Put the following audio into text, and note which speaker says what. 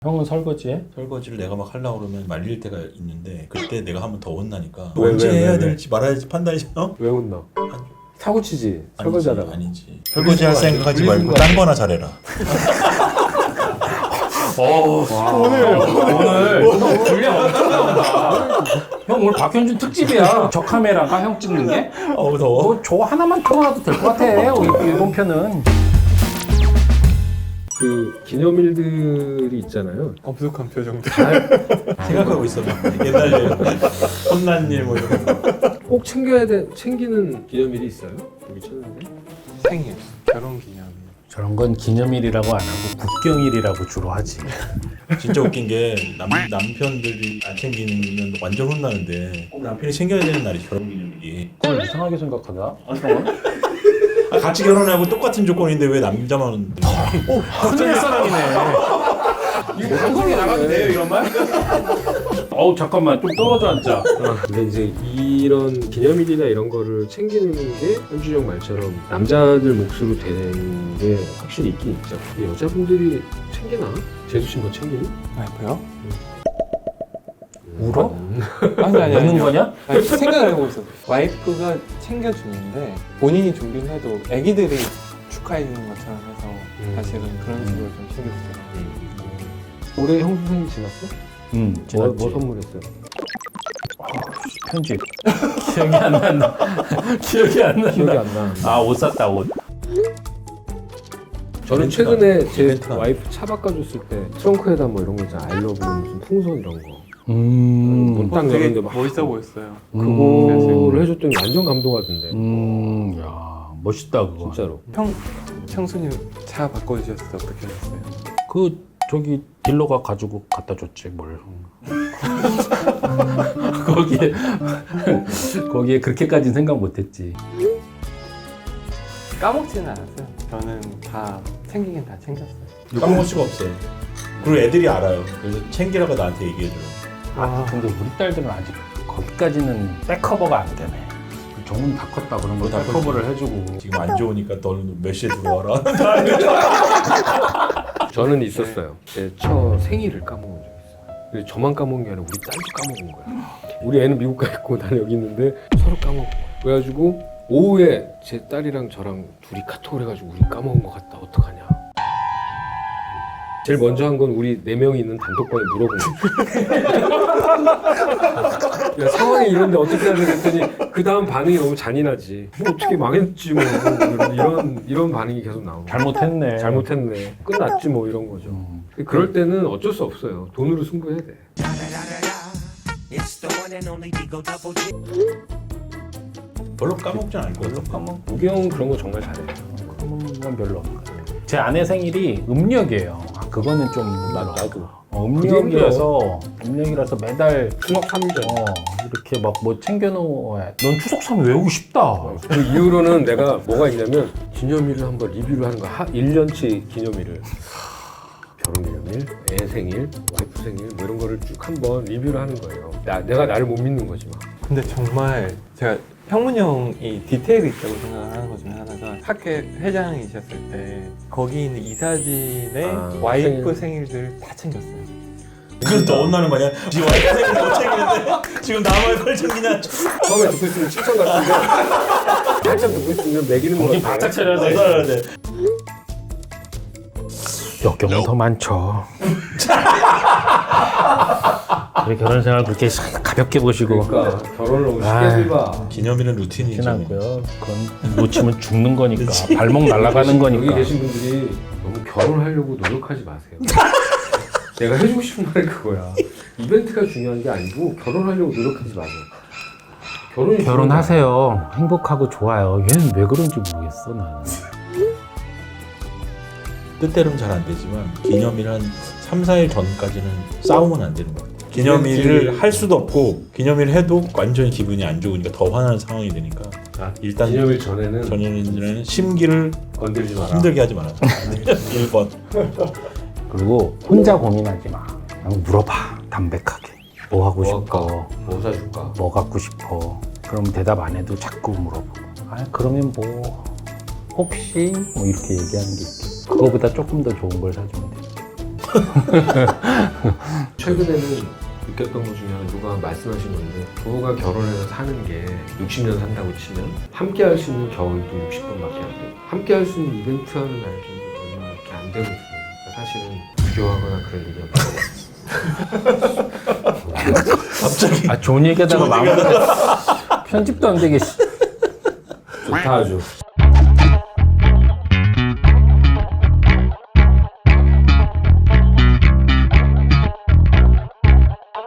Speaker 1: 형은 설거지해?
Speaker 2: 설거지를 내가 막 하려고 그러면 말릴 때가 있는데 그때 내가 하면 더 혼나니까
Speaker 3: 왜,
Speaker 2: 언제
Speaker 3: 왜,
Speaker 2: 해야
Speaker 3: 왜?
Speaker 2: 될지 말아야지 판단이
Speaker 3: 왜 혼나? 사고치지
Speaker 2: 아니지,
Speaker 3: 설거지하다가.
Speaker 2: 아니지. 설거지 할 생각하지 말고 딴 거나 잘해라.
Speaker 1: 오늘 분량 엄청 나온다. 형 오늘 박현준 특집이야. 저 카메라가 형 찍는 게.
Speaker 2: 어우 더워.
Speaker 1: 저 하나만 틀어놔도 될 것 같아. 이번 편은.
Speaker 3: 그 기념일들이 있잖아요.
Speaker 4: 엄숙한 표정들.
Speaker 2: 생각하고 있어. 옛날에 혼난 일 뭐 이런 거.
Speaker 3: 꼭 챙기는 기념일이 있어요? 여기 쳤는데.
Speaker 4: 생일, 결혼기념일.
Speaker 1: 저런 건 기념일이라고 안 하고 국경일이라고 주로 하지.
Speaker 2: 진짜 웃긴 게 남편들이 안 챙기면 완전 혼나는데 꼭 남편이 챙겨야 되는 날이 결혼기념일이.
Speaker 1: 그걸 이상하게 생각하다.
Speaker 2: 같이 결혼하고 똑같은 조건인데 왜 남자만
Speaker 1: 큰일 사람이네. 이거 방송에 나가도 돼요 이런 말? 어우 잠깐만 좀 떨어져 앉자.
Speaker 3: 근데 이제 이런 기념일이나 이런 거를 챙기는 게 현준이 형 말처럼 남자들 몫으로 되는 게 확실히 있긴 있죠. 근데 여자분들이 챙기나? 제수 씨 뭐 챙기니?
Speaker 4: 와이프요?
Speaker 1: 울어?
Speaker 4: 아니.
Speaker 1: 우는 거냐?
Speaker 4: 아니, 생각을 해보고 있어. 와이프가 챙겨주는데 본인이 준비를 해도 애기들이 축하해주는 것처럼 해서 사실은 그런 식으로 좀 챙겨주더라고요.
Speaker 3: 올해 형수 생일 지났어?
Speaker 1: 응.
Speaker 3: 뭐 선물했어요?
Speaker 1: 편집. 기억이 안 난다. 기억이 안 난다.
Speaker 3: 기억이 안 나.
Speaker 1: 아 옷 샀다 옷.
Speaker 3: 저는
Speaker 2: 이벤트가-
Speaker 3: 최근에 제
Speaker 2: 이벤트가
Speaker 3: 와이프 차 바꿔줬을 때 트렁크에다 뭐 이런 거 있잖아. 아이러브 무슨 풍선 이런 거. 딱
Speaker 4: 되게
Speaker 3: 열었는데 막
Speaker 4: 멋있어 보였어요.
Speaker 3: 그거를 해줬더니 완전 감동하던데.
Speaker 1: 야 멋있다 그거.
Speaker 3: 진짜로.
Speaker 4: 형수님 차 바꿔주셨을 때 어떻게 하셨어요?
Speaker 1: 그 저기 딜러가 가지고 갖다 줬지 뭘. 거기에 그렇게까지는 생각 못했지.
Speaker 4: 까먹지는 않았어요. 저는 다 챙기긴 다 챙겼어요.
Speaker 2: 까먹을 수가 없어요. 그리고 애들이 알아요. 그래서 챙기라고 나한테 얘기해줘요.
Speaker 1: 근데 우리 딸들은 아직 거기까지는 백커버가 안 되네. 정문 다 컸다 그런 거
Speaker 2: 다
Speaker 1: 백커버를 해주고.
Speaker 2: 지금 안 좋으니까 너는 몇 시에 들어와라.
Speaker 3: 저는 있었어요. 제 첫 생일을 까먹은 적이 있어요. 근데 저만 까먹은 게 아니라 우리 딸도 까먹은 거야. 우리 애는 미국 가 있고 나는 여기 있는데 서로 까먹고. 그래가지고 오후에 제 딸이랑 저랑 둘이 카톡을 해가지고 우리 까먹은 것 같다. 어떡하냐. 제일 먼저 한 건 우리 4명이 있는 단톡방에 물어본 거야. 상황이 이런데 어떻게 해야 되겠더니 그 다음 반응이 너무 잔인하지. 뭐 어떻게 망했지 뭐 이런 반응이 계속 나오고.
Speaker 1: 잘못했네.
Speaker 3: 잘못했네. 끝났지 뭐 이런 거죠. 그럴 때는 어쩔 수 없어요. 돈으로 승부해야 돼.
Speaker 2: 별로 까먹진 않을 것 같아.
Speaker 3: 우기 형은 그런 거 정말 잘해요.
Speaker 1: 그런 건 별로 없는 것 같아요. 제 아내 생일이 음력이에요. 그거는 좀
Speaker 3: 나도.
Speaker 1: 음력이라서 매달
Speaker 3: 추석 3일 전.
Speaker 1: 이렇게 막 뭐 챙겨놓아야. 넌 추석 3일 외우고 싶다.
Speaker 3: 그 이후로는 내가 뭐가 있냐면 기념일을 한번 리뷰를 하는 거야. 1년치 기념일을. 결혼 기념일, 애 생일, 와이프 생일 뭐 이런 거를 쭉 한번 리뷰를 하는 거예요. 내가 나를 못 믿는 거지 막.
Speaker 4: 근데 정말 제가 형문 형이 디테일이 있다고 생각하는 것 중에 하나가 학회 회장이셨을 때 거기 있는 이사진의 와이프 생일들 다 챙겼어요.
Speaker 2: 그래서 더 혼나는 거 아니야? 지금 와이프 생일 못 챙기는데 지금 남의 걸 챙기냐?
Speaker 3: 처음에 듣고 있으면 칭찬 같은데 한참 듣고 있으면 매기는 거
Speaker 1: 정신
Speaker 3: 같아.
Speaker 1: 바짝 차려야 돼.
Speaker 2: 살아야 돼.
Speaker 1: 역경은 더 많죠. 우리 결혼 생활 그렇게 가볍게 보시고.
Speaker 3: 그러니까 결혼을 너무
Speaker 1: 아이.
Speaker 3: 쉽게 해봐.
Speaker 2: 기념일은 루틴이죠.
Speaker 1: 지났고요. 그건 놓치면 죽는 거니까. 발목 날아가는
Speaker 3: 여기
Speaker 1: 거니까.
Speaker 3: 계신 분들이 너무 결혼하려고 노력하지 마세요. 내가 해주고 싶은 말이 그거야. 이벤트가 중요한 게 아니고 결혼하려고 노력하지 마세요.
Speaker 1: 결혼하세요. 행복하고 좋아요. 얘는 왜 그런지 모르겠어 나는.
Speaker 2: 뜻대로는 잘 안 되지만 기념일 한 3, 4일 전까지는 싸우면 안 되는 것 같아요. 기념일을 할 수도 없고 기념일 해도 완전히 기분이 안 좋으니까 더 화나는 상황이 되니까 일단
Speaker 3: 기념일 전에는
Speaker 2: 전에는 심기를
Speaker 3: 건들지 마라.
Speaker 2: 힘들게 하지 마라. 1번.
Speaker 1: 그리고 혼자 고민하지 마. 그냥 물어봐. 담백하게. 뭐 하고 싶어?
Speaker 3: 뭐 사줄까?
Speaker 1: 뭐 갖고 싶어? 그럼 대답 안 해도 자꾸 물어보고. 그러면 뭐 혹시 뭐 이렇게 얘기하는 게 있지. 그거보다 조금 더 좋은 걸 사주면 돼.
Speaker 3: 최근에는 느꼈던 것 중에 하나 누가 말씀하신 건데 부부가 결혼해서 사는 게 60년 산다고 치면 함께 할 수 있는 겨울도 60번밖에 안 돼요. 함께 할 수 있는 이벤트 하는 날도 얼마밖에 안 되고 있어요. 그러니까 사실은 비교하거나 그럴 일이 없어요.
Speaker 2: 갑자기
Speaker 1: 아 좋은 얘기하다가 마무리 편집도 안 되게 좋다 아주.